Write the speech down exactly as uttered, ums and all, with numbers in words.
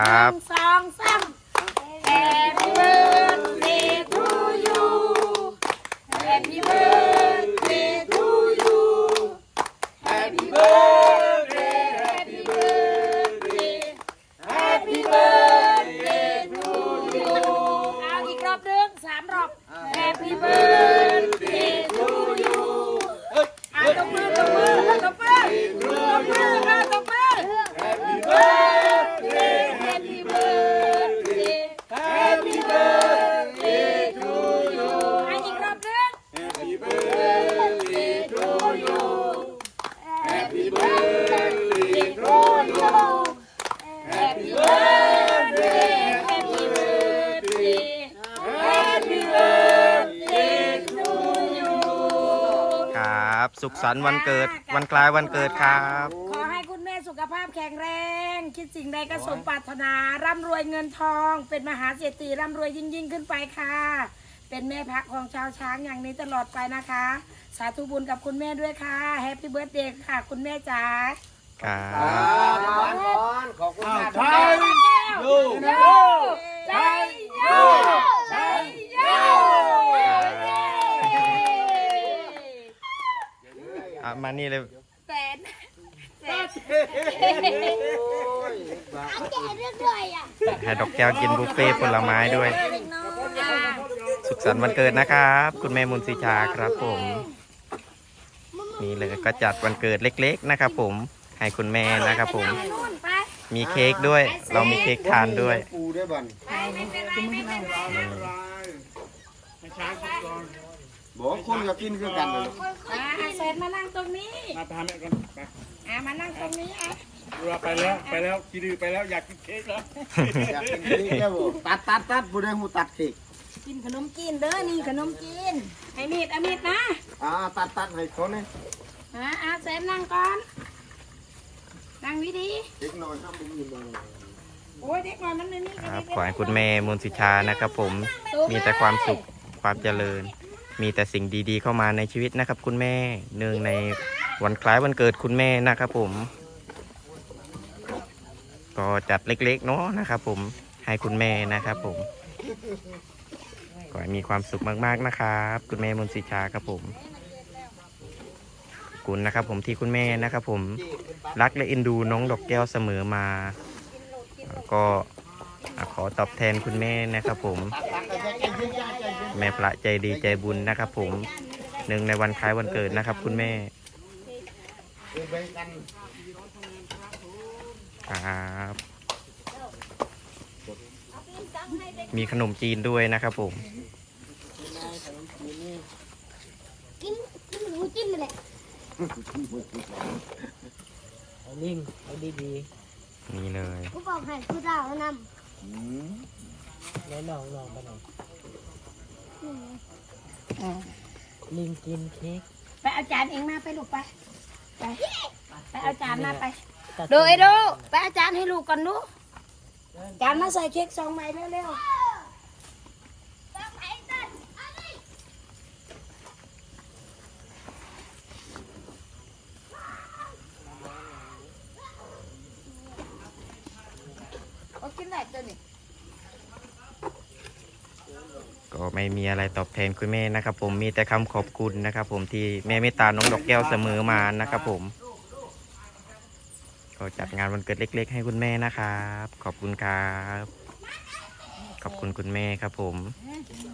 ครับสองสาม Happy birthday to you Happy birthday to you Happy birthday Happy birthday Happy birthday to you เอาอีกรอบหนึ่งสามรอบ Happy birthday to you เอาตบมือตบมือตบมือตบมือเอาตบมือ Happy birthday Happy birthday Happy birthday to you ให้อีกรอบหนึ่ง Happy birthday to you Happy birthday to you Happy birthday Happy birthday Happy birthday to you ครับ สุขสันต์วันเกิดวันคล้ายวันเกิดครับขอให้คุณแม่สุขภาพแข็งแรง คิดสิ่งใดก็สมปรารถนา ร่ำรวยเงินทอง เป็นมหาเศรษฐีร่ำรวยยิ่งยิ่งขึ้นไปค่ะ เป็นแม่พักของชาวช้างอย่างนี้ตลอดไปนะคะ สาธุบุญกับคุณแม่ด้วยค่ะ แฮปปี้เบิร์ธเดย์ค่ะ คุณแม่จ๋าครับก่อนก่อนขอบคุณมากใช่โยโยใช่โยใช่โยอ่ะมานี่เลยแสนแสนให้ดอกแก้วกินบุฟเฟ่ต์ผลไม้ด้วย สุขสันต์วันเกิดนะครับ คุณแม่มุนสีชาครับผม นี่เลยก็จัดวันเกิดเล็กๆนะครับผม ให้คุณแม่นะครับผม มีเค้กด้วย เรามีเค้กทานด้วยปูด้วยบันไม่เป็นไรไม่เป็นไรให้ช้างกินก่อนบอกคนก็กินคือกันเลยอ่าเสร็จมานั่งตรงนี้มาพาแม่ก่อนไปอ่ามานั่งตรงนี้อ่ะดูว่าไปแล้วไปแล้วกีดือไปแล้วอยากกินเค้กแล้วอยากกินเค้กแล้วบ่ตัดตัดตัดผู้ใดหูตัดเค้กกินขนมจีนเด้อนี่ขนมจีนไอ้มีดไอ้มีดนะอ่าตัดตัดให้เขาเนี่ยอ่าอ่าเสร็จนั่งก่อนนั่งวิธีเด็กน้อยทำบุญอยู่บ้างโอ้ยเด็กน้อยมันไม่มีครับขอให้คุณแม่มุนสิชานะครับผม มีแต่ความสุขความเจริญ มีแต่สิ่งดีๆเข้ามาในชีวิตนะครับ คุณแม่เนื่องในวันคล้ายวันเกิดคุณแม่นะครับผม ก็จัดเล็กๆเนาะนะครับผมให้คุณแม่นะครับผมขอให้มีความสุขมากๆนะครับ คุณแม่มุนสิชาครับผมขอบคุณนะครับผมที่คุณแม่นะครับผมรักและเอ็นดูน้องดอกแก้วเสมอมาก็ขอตอบแทนคุณแม่นะครับผม แม่พระใจดีใจบุญนะครับผมหนึ่งในวันคล้ายวันเกิดนะครับ คุณแม่ครับมีขนมจีนด้วยนะครับผมกินกินหมูจิ้มเลยเอานิ่งเอาดีนี่เลยกูบอกให้กูดาวนๆแล้วลองลองไปหน่อยำลิงกินเค้กไปเอาจานเองมาไปลูกไปไปไปเอาจานมาไปตัดูไอ้ดูไปเอาจารย์ให้ลูกก่อนดูจานมาใส่เค้กสองใบเร็วๆเอากินไหนตัวนี้ก็ไม่มีอะไรตอบแทนคุณแม่นะครับผมมีแต่คำขอบคุณนะครับผมที่แม่เมตตาน้องดอกแก้วเสมอมานะครับผมก็จัดงานวันเกิดเล็กๆให้คุณแม่นะครับขอบคุณครับขอบคุณคุณแม่ครับผม